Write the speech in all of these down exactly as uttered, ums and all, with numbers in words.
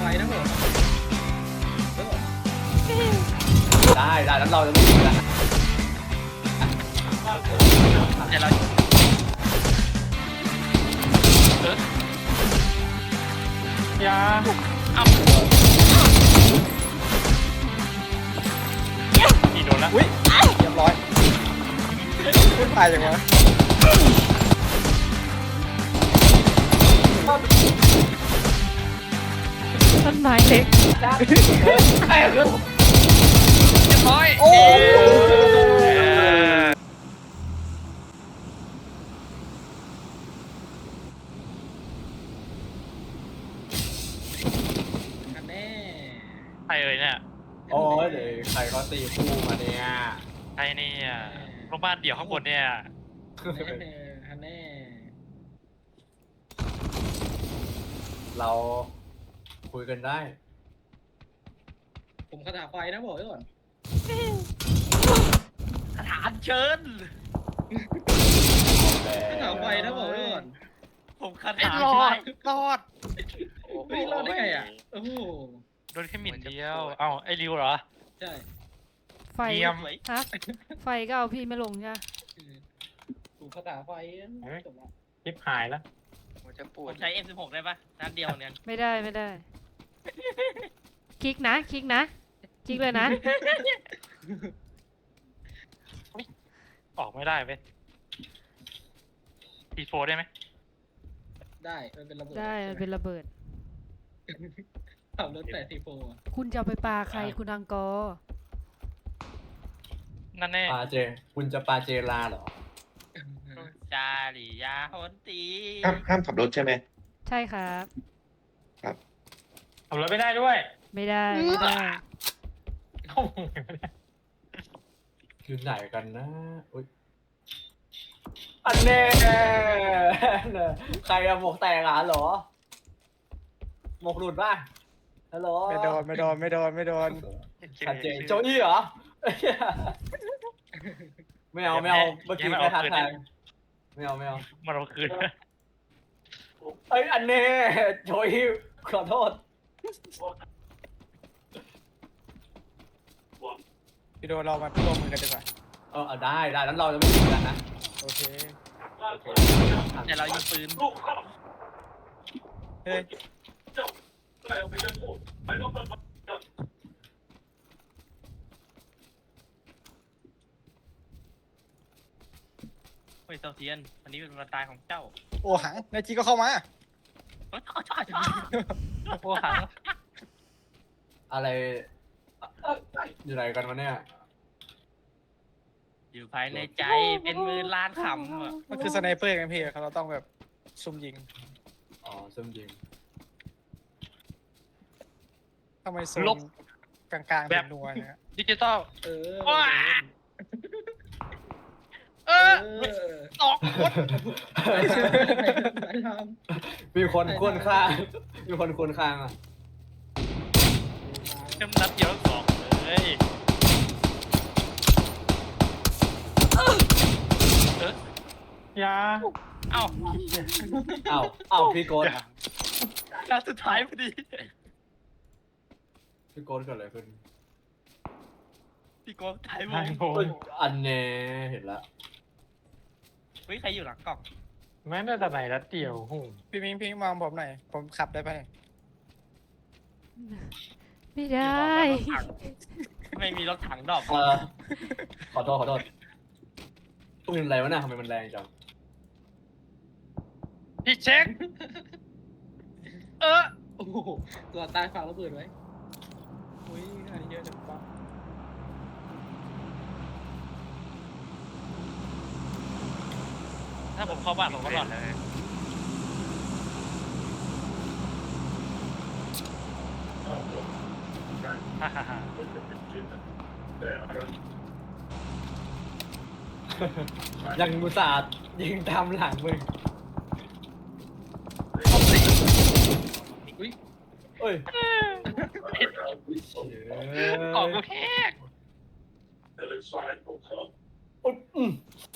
นะผมได้ได้แล้วเราจะไม่ยิงกันเดี๋ยวเรายาเอาอีโดนแล้วอุ้ยเรียบร้อยพูดตายอย่างวะต้นไม้เล็กไอ้เรื่องเรียบร้อยโอ้กันแน่ใครเอ่ยเนี่ยโอ้ยเดี๋ยวใครเขาตีคู่มาเนี่ยใครเนี่ยโรงพยาบาลเดี่ยวข้างบนเนี่ยแน่กันแน่เราคุยกันได้ผมคาถาไฟนะบอกไว้ก่อนสถานเชิญคาถาไฟนะบอกไว้ก่อนผมคาถารอดรอดเฮ้ยรอดได้ไงอ่ะโอ้โหโดนแค่หมิ่นเดียวเอ้าไอ้ริวเหรอใช่ไฟเยี่ยมฮะไฟก็เอาพี่ไม่ลงใช่ไหมถูกคาถาไฟจบละชิบหายแล้วผมจะปวดผมใช้ เอ็ม สิบหก ได้ปะนัดเดียวเนี่ยไม่ได้ไม่ได้ คลิกนะ คลิกนะ คลิกเลยนะออกไม่ได้เว้ยทีโฟได้ไหมได้มันเป็นระเบิดได้มันเป็นระเบิดขับรถแต่ทีโฟคุณจะเอาไปปาใครคุณอังกอร์นั่นแน่ปาเจ คุณจะปาเจลาเหรอจาริยาฮอนตีห้ามห้ามขับรถใช่ไหมใช่ครับขับรถไม่ได้ด้วยไม่ได้ไม่ได้อยู่ไหนกันนะอุ้ยอันเน่ใครอะหมวกแตกอ่ะเหรอหมวกหลุดป่ะฮัลโหลไม่โดนไม่โดนไม่โดนไม่โดนชัดเจนโจอี้เหรอ ไม่เอาไม่เอาเมื่อกี้แค่ทักทายไม่เอาไม่เอามาเราคืนเอ้ยอันเน่โจอี้ขอโทษพี่โดนเรามาร่วมมือกันดีกว่าเออเอาได้ได้แล้วเราจะไม่ยิงกันนะโอเคแต่เรายิงปืนเฮ้ยเฮ้ยเซาเทียนวันนี้เป็นวันตายของเจ้าโอ้หังนายจีก็เข้ามาโอ้ยชอบชอบโอ้หังอะไรอยู่ไหนกันวะเนี่ยอยู่ภายในใจเป็นมือล้านคำอะมันคือสไนเปอร์ไงพี่เราต้องแบบซุ่มยิงอ๋อซึมยิงทำไมซุ่มกลางๆเป็นนัวเนี่ยดิจิตอลเออว้าเอเอออสองคนไปทำมีคนควนข้างมีคนควนข้างอ่ะเต็มนัดเดียวสองเลยเออยาเอ้าเอ้าเอ้าพี่โกดนัดสุดท้ายพอดีพี่โกดเกิดอะไรขึ้นพี่โก้ท้ายวงเอ้ยอันเน่เห็นละเฮ้ยใครอยู่หลังกล่องแม่น่าจะไหนรัดเดี่ยวหูพี่พิงพิงมองผมหน่อยผมขับได้ไหมไม่ได้ไม่มีรถถังดอกเออขอโทษขอโทษปืนอะไรวะน่ะทำไมมันแรงจังพี่เช็ค เออโอ้โหตัวตายฝากระเบิดไว้อุ้ยอันนี้เยอะจังปะถ้าผมเข้าบ้านผมก็หลอดเลย ฮ่าฮ่าฮ่ายังมุสาดยิงตามหลังมึงอุ้ยเอ้ยออกกูแค่อุ๊ยอืม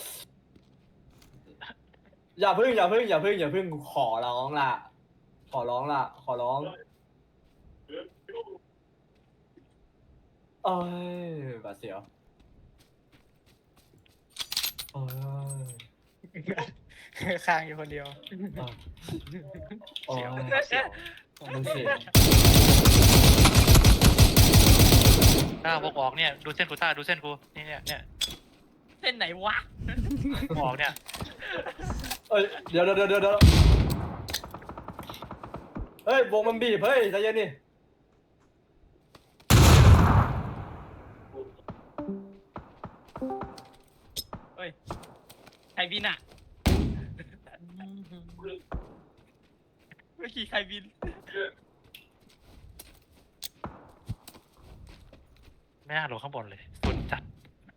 อย่าพึ่งอย่าพึ่งอย่าพึ่งอย่าพึ่งขอร้องล่ะ ขอร้องล่ะ ขอร้องเอ้ยบาดเสียวโอ้ยข้างอยู่คนเดียวโอ้ยเสียวมันเสียวหน้าพวกออกเนี่ยดูเส้นกูต้าดูเส้นกูนี่เนี่ยเนี่ยเส้นไหนวะออกเนี่ยเอ้ยเดี๋ยวเดี๋ยวเดี๋ยวเดี๋ยวเฮ้ยวงมันบีบเฮ้ยใจเย็นดิใครบินอ่ะเมื่อกี้ใครบินไม่น่าลงข้างบนเลยฝุ่นจัด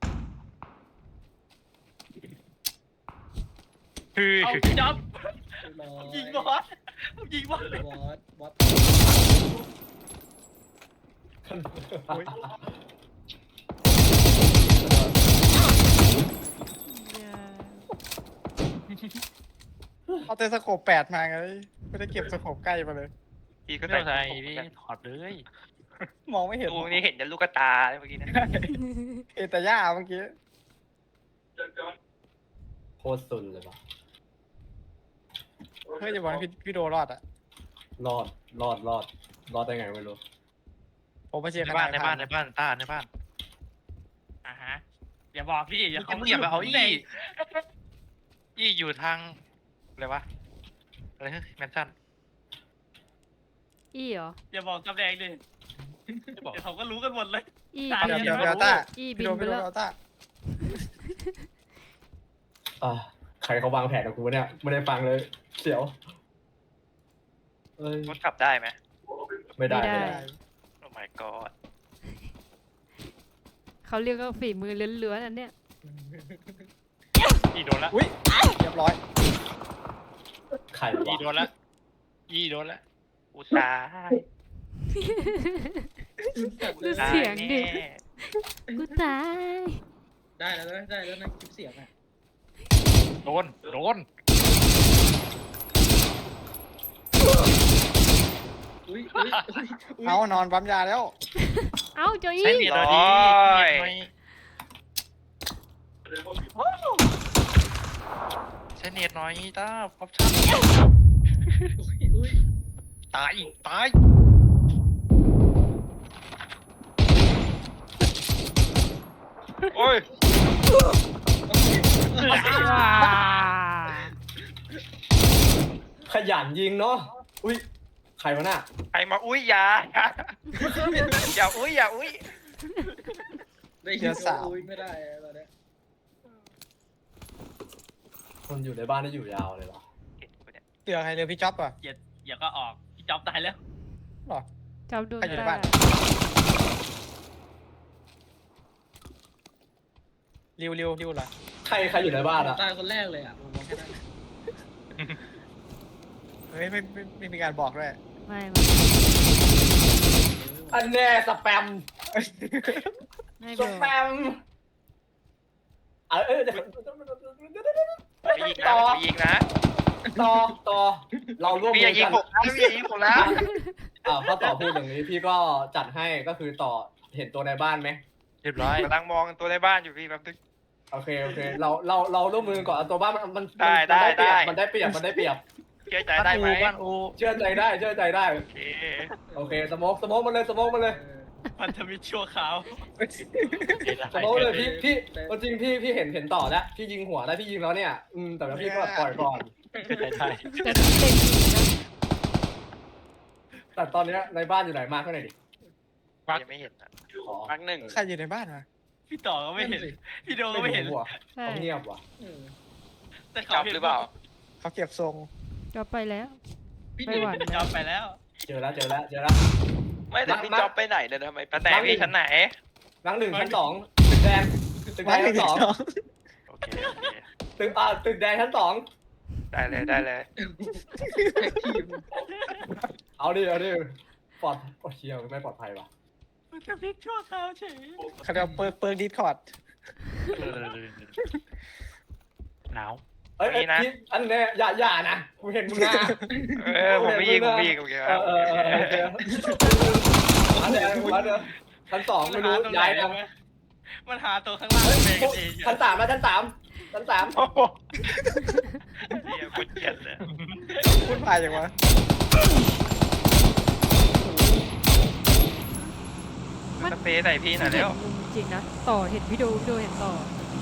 คือเอาพี่จ๊อบยิงบอสยิงบอสบอสบอสเอาแต่สโคปแปดมาไงไม่ได้เก็บสโคปใกล้มาเลยพี่ก็ใส่ใจพี่ถอดเลยมองไม่เห็นดูนี่เห็นแต่ลูกตาเมื่อกี้นะเอแต่ย่าเมื่อกี้โคตรสุนเลยว่ะเฮ้ยอย่าบอกนะพี่พี่โดรอดอ่ะรอดรอดรอดรอดได้ไงไม่รู้ผมมาเชียร์ในขบ้านาดนในบ้านในบ้านต้าในบ้านอ่ะฮะอย่าบอกพี่อย่ามึงอย่าไปเอาอี้อี้อยู่ทางอะไรวะอะไรนะแมนชั่นอีเหรออย่าบอกตำแหน่งดิไม่บอกเดี๋ยวเขาก็รู้กันหมดเลยอีตายบินเดี๋ยวเดี๋ยวต้าอีบิพี่นโดไปพี่โดแล้วเอาต้าอ่ะใครเขาวางแผนกับกูเนี่ยไม่ได้ฟังเลยเสียวเอ้ยรถขับได้ไหมไม่ได้ไม่ไม่ได้ได้โอ้ my god เขาเรียกว่าฝีมือเลื้อนๆอันเนี้ยอี้โดนละอุ้ยเรียบร้อยใครอี้วะโดนละอี้โดนละอุตส่าห์ดูเสียงดิแน่กูตายได้แล้วนะได้แล้วนะคลิปเสียงอ่ะโดนโดนอุ้ยอุ้ยอุ้ยเอานอนปั๊มยาแล้วเอ้าโจใช้อี้เนียดเราดีใช้เนียดหน่อยต้าออปชั่นอุ้ยอุ้ยตายตายโอ้ยว้าขยันยิงเนาะอุ้ยใครวะน่ะใครมาอุ้ยอย่าอย่าอุ้ยอย่าอุ้ยได้ยินว่าอุ้ยไม่ได้ตอนเนี้ยคนอยู่ในบ้านได้อยู่ยาวเลยเหรอเห็นกูเนี่ยเหลือใครเหลือพี่จ๊อบอ่ะอย่าอย่าก็ออกพี่จ๊อบตายแล้วหรอจับโดนใครอยู่ในตาบ้าน ริวริวริวเหรอใครใครอยู่ในบ้านอะตายคนแรกเลยอ่ะผมมองแค่นั้นเฮ้ยไม่ไม่ไม่มีการบอกด้วยไม่ไม่อันแน่สแปมไม่สบอกแปมเออเออเดี๋ยวไปยิงนะไปยิงนะต่อต่อเราร่วมพี่มือย่าอยิงกันผมนะพี่อย่ายิงผมนะอ้าวถ้าต่อพูดอย่างนี้พี่ก็จัดให้ก็คือต่อเห็นตัวในบ้านไหมเรียบร้อยกำลังมองตัวในบ้านอยู่พี่แป๊บนึงโอเคโอเคเราเราเราร่วมมือก่อนเอาตัวบ้านมันมันได้มันได้เปรียบได้มันได้เปรียบมันได้เปรียบเชื่อใจได้ไหมบ้านอูเชื่อใจได้เชื่อใจได้โอเคโอเคสโมกสโมกมันเลยสโมกมันเลยพันธมิตรชั่วคราวสโมกเลยพี่พี่เอาจริงพี่พี่เห็นเห็นต่อแล้วพี่ยิงหัวได้พี่ยิงแล้วเนี่ยอืมแต่ว่าพี่ก็ปล่อยก่อนได้ได้แต่เต็มจริงนะแต่ตอนเนี้ยในบ้านอยู่ไหนมาเท่าไหร่ดิยังไม่เห็นอ่ะอ๋อพักหนึ่งใครอยู่ในบ้านวะพี่ต่อก็ไม่เห็นพี่โดก็ไม่เห็นหัวใช่เขาเงียบว่ะเออแต่เขาจับ Dạ. หรือเปล่าเขาเก็บทรงจับไปแล้วพี่ไม่หวั่นจ๊อบไปแล้วเจอแล้วเจอแล้วเจอแล้วไม่แต่พี่มาจ๊อบไปไหนเนี่ยทำไมชั้นไหนพี่ชั้นไหนหลังหนึ่งชั้นสองตึกแดงตึกแดงชั้นสองโอเคโอเคตึกอ่าตึกแดงชั้นสองได้เลยได้เลยแท็กทีมเอาดิเอาดิปลอดโอ้เชียวไม่ปลอดภัยว่ะพันธมิตรชั่วคราวเฉยเขาเรียกว่าเปิร์กเปิร์กดิสคอร์ดหนาวเอ้ยเอ้ยพี่อันเนี้ยอย่าอย่านะกูเห็นมึงนะเออผมไม่ยิงผมไม่ยิงโอเคคเอรับอเออเออโอเคมาเดี๋ยวมาเดี๋ยวชั้นสองไม่รู้มันหาตรงไหนย้ายกันวะมันหาตัวข้างล่างเองกันเองชั้นสามนะชั้นสามชั้นสามโอ้โหเฮียคนเกลียดเลยพูดพายอย่างวะสเปรย์ใส่พี่หน่อยเห็เร็นวมุมจริงนะ ต่อเห็นพี่ดูพี่ดูเห็นต่อ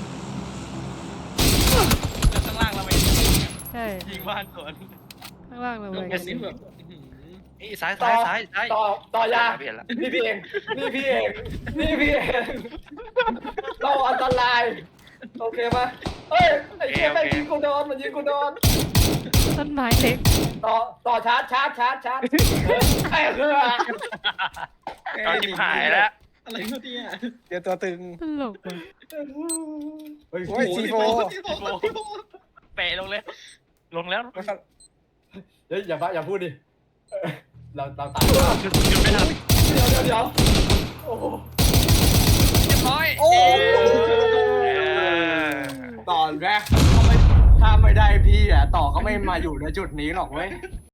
แล้วข้างล่างเราไปใช่ยิงบ้านสวนข้างล่างเราตรเลงยนี้แบบอื้อหือนี่ซ้ายซ้ายซ้ายซ้ายต่อต่อยาเปลี่ยนละนี่พี่เองนี่พี่เองนี่พี่เองเราอันตรายโอเคปะเอ้ยไอ้เชี่ยแม่งยิงกูโดนมันยิงกูโดนต้นไม้เล็กต่อต่อชาร์จชาร์จชาร์จชาร์จไอ้เหี้ยเอาทิมหายแล้วอะไรวะเนี่ยเดี๋ยวตัวตึงตลกว่ะเฮ้ยโอ้ย ซีโฟซีโฟซีโฟเปะลงเลยลงแล้วเฮ้ยอย่าบ้าอย่าพูดดิเออเราเราตายหยุดหยุดไม่ทันเดี๋ยวเดี๋ยวเดี๋ยวโอ้โหเรียบร้อยโอ้ตอนแรกถ้าไม่ถ้าไม่ได้พี่อ่ะต่อก็ไม่มาอยู่ในจุดนี้หรอกเว้ย